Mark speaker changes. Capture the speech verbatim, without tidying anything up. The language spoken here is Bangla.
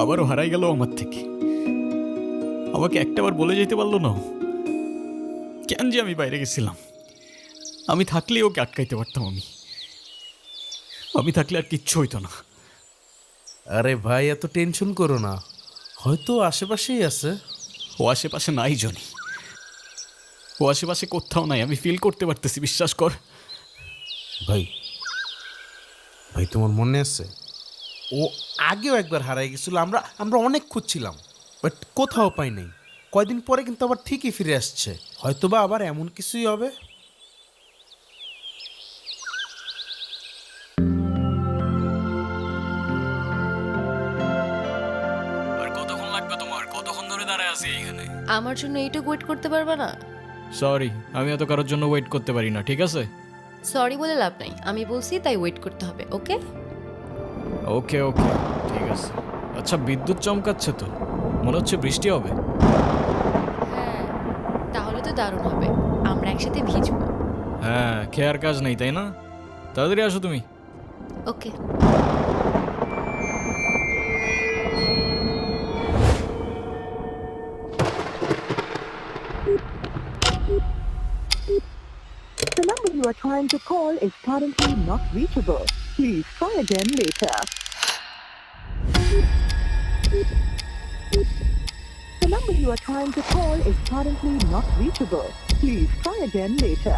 Speaker 1: আবারও হারাই গেল আমার থেকে। আমাকে একটাবার বলে যেতে পারলো না ও। কেন যে আমি বাইরে গেছিলাম? আমি থাকলে ওকে আটকাইতে পারতাম। আমি আমি থাকলে আর কিচ্ছু হইতো না।
Speaker 2: আরে ভাই, এত টেনশন করো না, হয়তো আশেপাশেই আছে।
Speaker 1: ও আশেপাশে নাই জনি, ও আশেপাশে কোথাও নাই। আমি ফিল করতে পারতেছি, বিশ্বাস কর।
Speaker 2: ভাই ভাই তোমার মনে আছে, ও আগেও একবার হারাই গেছিল। আমরা আমরা অনেক খুঁজছিলাম, বাট কোথাও পাই নাই। কয়দিন পরে কিন্তু আবার ঠিকই ফিরে আসছে। হয়তোবা আবার এমন কিছুই হবে।
Speaker 1: আর কতক্ষণ লাগবে তোমার? কতক্ষণ ধরে দাঁড়ায় আছি এখানে?
Speaker 3: আমার জন্য এইটুকু ওয়েট করতে পারবা না?
Speaker 1: সরি, আমি এত কারোর জন্য ওয়েট করতে পারি না, ঠিক আছে?
Speaker 3: সরি বলে লাভ নাই, আমি বলছি তাই ওয়েট করতে হবে। ওকে
Speaker 1: ওকে ওকে, ঠিক আছে। আচ্ছা, বিদ্যুৎ চমকাচ্ছে তো, মনে হচ্ছে বৃষ্টি হবে।
Speaker 3: হ্যাঁ, তাহলে তো দারুণ হবে, আমরা একসাথে ভিজবো।
Speaker 1: হ্যাঁ, খেয়ার কাজ নেই তাই না? তাড়াতাড়ি আসো তুমি।
Speaker 3: ওকে।
Speaker 4: The number you are trying to call is currently not reachable. Please try again later. The number you are trying to call is currently not reachable. Please try again later.